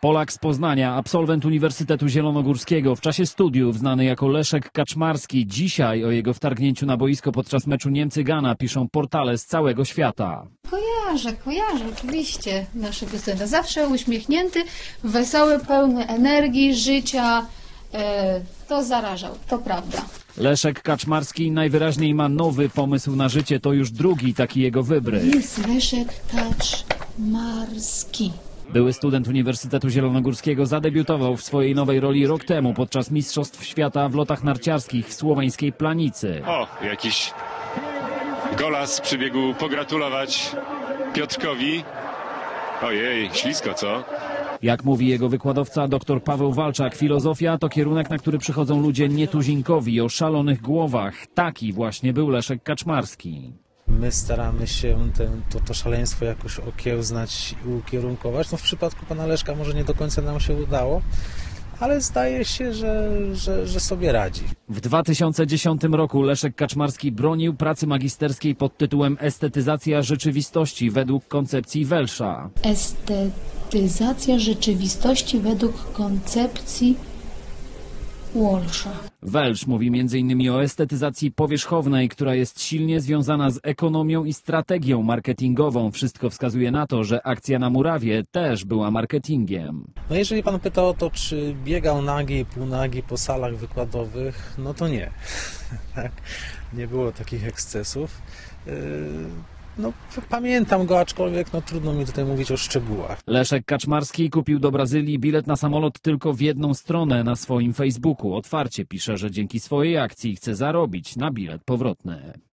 Polak z Poznania, absolwent Uniwersytetu Zielonogórskiego, w czasie studiów znany jako Leszek Kaczmarski. Dzisiaj o jego wtargnięciu na boisko podczas meczu Niemcy-Ghana piszą portale z całego świata. Kojarzę oczywiście naszego studenta. Zawsze uśmiechnięty, wesoły, pełny energii, życia. To zarażał, to prawda. Leszek Kaczmarski najwyraźniej ma nowy pomysł na życie. To już drugi taki jego wybryk. Jest Leszek Kaczmarski. Były student Uniwersytetu Zielonogórskiego zadebiutował w swojej nowej roli rok temu podczas Mistrzostw Świata w lotach narciarskich w słoweńskiej Planicy. O, jakiś golas przybiegł pogratulować Piotrkowi. Ojej, ślisko, co? Jak mówi jego wykładowca dr Paweł Walczak, filozofia to kierunek, na który przychodzą ludzie nietuzinkowi, o szalonych głowach. Taki właśnie był Leszek Kaczmarski. My staramy się to szaleństwo jakoś okiełznać i ukierunkować. No w przypadku pana Leszka może nie do końca nam się udało, ale zdaje się, że sobie radzi. W 2010 roku Leszek Kaczmarski bronił pracy magisterskiej pod tytułem Estetyzacja rzeczywistości według koncepcji Welsza. Estetyzacja rzeczywistości według koncepcji Walsha. Welsh mówi m.in. o estetyzacji powierzchownej, która jest silnie związana z ekonomią i strategią marketingową. Wszystko wskazuje na to, że akcja na Murawie też była marketingiem. No jeżeli pan pyta o to, czy biegał nagi i półnagi po salach wykładowych, no to nie. Tak? Nie było takich ekscesów. No, pamiętam go, aczkolwiek trudno mi tutaj mówić o szczegółach. Leszek Kaczmarski kupił do Brazylii bilet na samolot tylko w jedną stronę na swoim Facebooku. Otwarcie pisze, że dzięki swojej akcji chce zarobić na bilet powrotny.